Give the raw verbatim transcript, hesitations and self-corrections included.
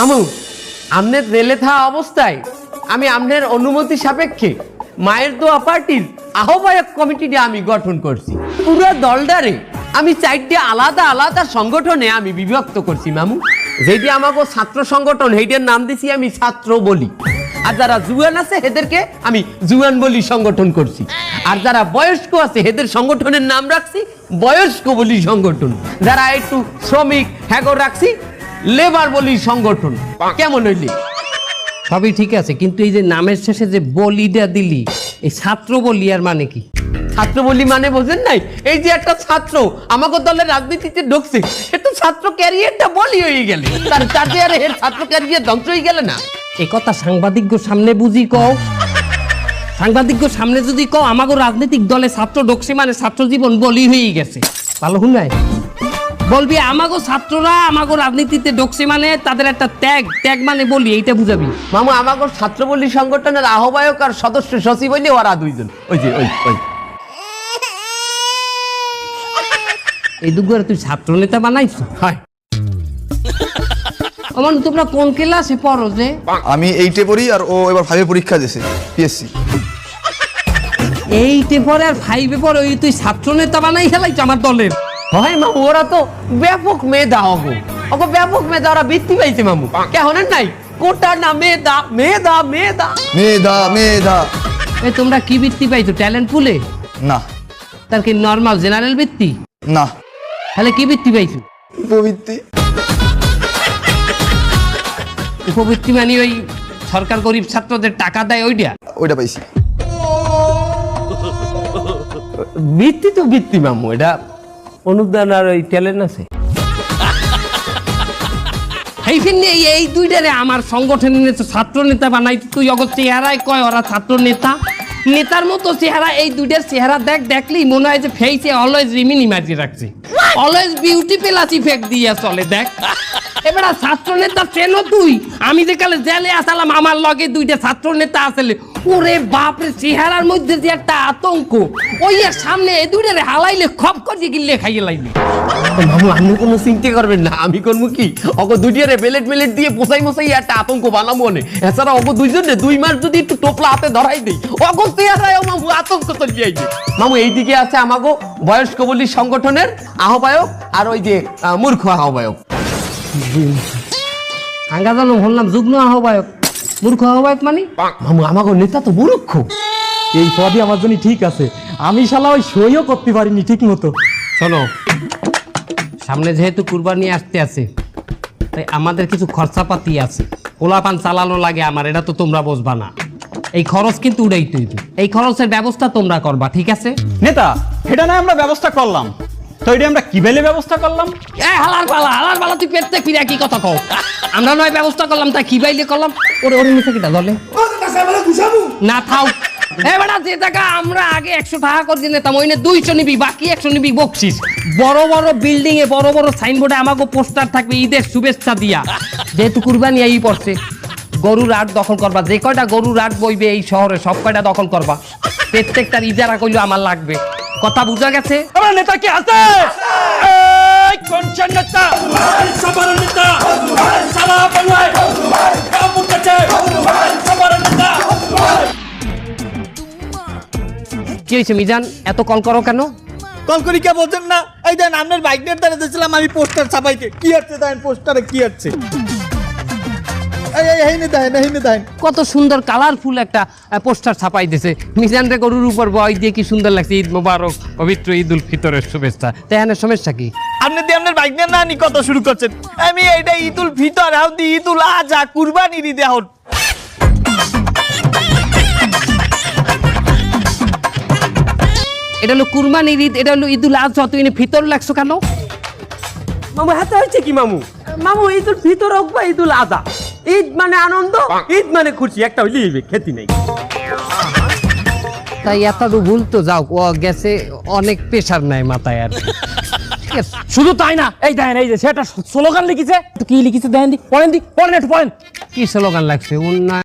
মামু আমনের রেলে থাকা অবস্থায় আমি আমনের অনুমতি সাপেক্ষে মায়ের দোয়া পার্টির আহ্বায়ক কমিটিটা আমি গঠন করছি। পুরো দলটারে আমি চারটে আলাদা আলাদা সংগঠনে আমি বিভক্ত করছি মামু। যেটি আমাকে ছাত্র সংগঠন সেইটার নাম দিছি আমি ছাত্র বলি, আর যারা জুয়ান আছে এদেরকে আমি জুয়ান বলি সংগঠন করছি, আর যারা বয়স্ক আছে এদের সংগঠনের নাম রাখছি বয়স্ক বলি সংগঠন, যারা একটু শ্রমিক হ্যাগো রাখছি লেবার বলি সংগঠন। কেমন হইলি? সবই ঠিক আছে, কিন্তু এই যে নামের শেষে যে বলিটা দিলি, এই ছাত্র বলি আর মানে কি? ছাত্র বলি মানে বোঝেন নাই? এই যে একটা ছাত্র আমাকে দলের রাজনীতিতে ঢুকছে, সে তো ছাত্র ক্যারিয়ারটা বলি হয়ে গেলে, তার তাতে আর এর ছাত্র ক্যারিয়ার ধ্বংস হয়ে গেলে না। এই কথা সাংবাদিক সামনে বুঝি কও। সাংবাদিক সামনে যদি কও আমাকে রাজনৈতিক দলে ছাত্র ঢুকছে মানে ছাত্র জীবন বলি হয়ে গেছে, ভালো শুনাই বলবি আমাগো ছাত্ররা আমাগো রাজনীতিতে ঢুকছে মানে তাদের একটা ত্যাগ, ত্যাগ মানে বলি, এইটা বুঝাবি। মামু আমাকে ছাত্র বলি সংগঠনের আহ্বায়ক আর সদস্য সচিব হইলে ওরা দুইজন, ওই যে ওই ওই এই দুগুয়ারে তুই ছাত্র নেতা বানাইছ? হয়। আমার তোমরা কোন ক্লাসে পড়ো যে? আমি এইটে পড়ি আর ও এবার ফাইভে পরীক্ষা দিয়েছে পিএসসি। এইটে পরে আর ফাইভে পরে ওই তুই ছাত্র নেতা বানাই খেলাইছ আমার দলের? হয় মামু, ওরা তো ব্যাপক মেধা অগো অগো ব্যাপক মেধা, ওরা বৃত্তি পাইছে মামু। কেমন নাই কোটা না মেধা মেধা মেধা মেধা মেধা। এই তোমরা কি বৃত্তি পাইছো? ট্যালেন্ট পুলে? না তার কি নর্মাল জেনারেল বৃত্তি? না তাহলে কি বৃত্তি পাইছো? উপবৃত্তি। উপবৃত্তি মানে ওই সরকার গরিব ছাত্রদের টাকা দেয় ওইটা? ওইটা পাইছি। বৃত্তি তো বৃত্তি মামু, এটা অনুদান আর ওই ট্যালেন্ট আছে। এই ফিরনি এই দুইটারে আমার সংগঠনের ছাত্র নেতা বানাই, তুই অগর চেহারায় কয় ওরা ছাত্র নেতা। নেতার মতো চেহারা, এই দুইটার চেহারা দেখ, দেখলেই মনে হয় যে ফেসে অলওয়েজ রিমিনি মার্জি রাখছে, অলওয়েজ বিউটি প্লাস ইফেক্ট দিয়ে চলে। দেখ এবার ছাত্র নেতা চেনো তুই? আমি যে কালে জেলে আসালাম আমার লগে দুইটা ছাত্র নেতা আসলে, ওরে বাপরে চেহারার মধ্যে যে একটা আতঙ্ক, ওই আর সামনে এ দুইটারে হালাইলে খপ করে গিলে খাইয়ে লাইলে। মামু আপনি কোনো চিন্তা করবেন না, আমি করবো কি অগো দুইটারে বেলেট মেলেট দিয়ে পোসাই মোসাই একটা আতঙ্ক বানাবো মনে। এছাড়া অগো দুইজনে দুই মাস যদি একটু টোপলা হাতে ধরাই দেই অগো চেহারায় মামু আতঙ্ক চলে যাইবে। মামু এইদিকে আছে আমাগো বয়স্ক বলি সংগঠনের আহ্বায়ক আর ওই যে মূর্খ আহ্বায়ক। আঙ্গা জানো বললাম যুগ্ম আহ্বায়ক, মূর্খ আহ্বায়ক মানে? মামু আমাগো নেতা তো মূর্খ। এই পদই আমার জন্য ঠিক আছে, আমি শালা ওই সইও করতে পারিনি ঠিক মতো। শোনো, সামনে যেহেতু কুরবানি আসতে আছে তাই আমাদের কিছু খরচাপাতি আছে, পোলাপান চালানো লাগে আমার, এটা তো তোমরা বুঝবা না। এই খরচ কিন্তু উড়াইতে হইবে, এই খরচের ব্যবস্থা তোমরা করবা, ঠিক আছে? নেতা এটা না আমরা ব্যবস্থা করলাম, তো এটা আমরা কি বেলে ব্যবস্থা করলাম? এ হালার পালা হালার পালা তুই পেটতে ফিরে কি কথা কও? আমরা নয় ব্যবস্থা করলাম তাই কি বাইলে করলাম? ওরে ওরে নিচে কিটা দলে না থাও। এবারে যে টাকা আমরা আগে একশো টাকা করে দিতাম ওই না দুইশো নিবি, বাকি একশো নিবি বকশিস। বড় বড় বিল্ডিং এ বড় বড় সাইনবোর্ডে আমাকে পোস্টার থাকবে ঈদের শুভেচ্ছা দিয়া। যেহেতু কুরবানি এই পড়ছে, গরুর হাট দখল করবা, যে কয়টা গরুর হাট বইবে এই শহরে সব কয়টা দখল করবা। প্রত্যেকটার ইজারা কইলেও আমার লাগবে, কথা বুঝা গেছে? আমার নেতা কি আছে? এই কোনছেন নেতা? সবার নেতা সালা বলয় কাবু কাছে সবার নেতা। কি হয়েছে মিজান, এত কল করো কেন? কল করি কে বলছেন না? এই দেন আপনার বাইক নিয়ে দাঁড়িয়ে দিয়েছিলাম আমি পোস্টার ছাপাইতে। কি হচ্ছে দেন পোস্টারে কি হচ্ছে? এই এই হেইনে দেন হেইনে দেন। কত সুন্দর কালারফুল একটা পোস্টার ছাপাই দিয়েছে, মিজান রে গরুর উপর বয় দিয়ে কি সুন্দর লাগছে। ঈদ মোবারক, পবিত্র ঈদ উল ফিতরের শুভেচ্ছা। তাই এখানে সমস্যা কি? আপনি দিয়ে আপনার বাইক নিয়ে না নি কত শুরু করছেন? আমি এইটা ঈদ উল ফিতর হাও দি ঈদ উল আজহা কুরবানির ঈদে হাও। এটা হলো কুরবানির ঈদ, এটা হলো ঈদুল আজহা, তুই ফিতর লাগছো কেন? মামু হাতে হয়েছে কি মামু? মামু ঈদুল ফিতর হোক বা ঈদুল আজহা, ঈদ মানে আনন্দ, ঈদ মানে খুশি, একটা হইলেই খেতি নেই। তাই এত ভুল তো যাও, ও গেছে অনেক প্রেশার নাই মাথায় আর। শুধু তাই না, এই দেখেন এই যে সেটা স্লোগান লিখেছে, তো কি লিখেছে দেখেন দি, পড়েন দি, পড়েন একটু পড়েন। কি স্লোগান লাগছে? উন্নয়ন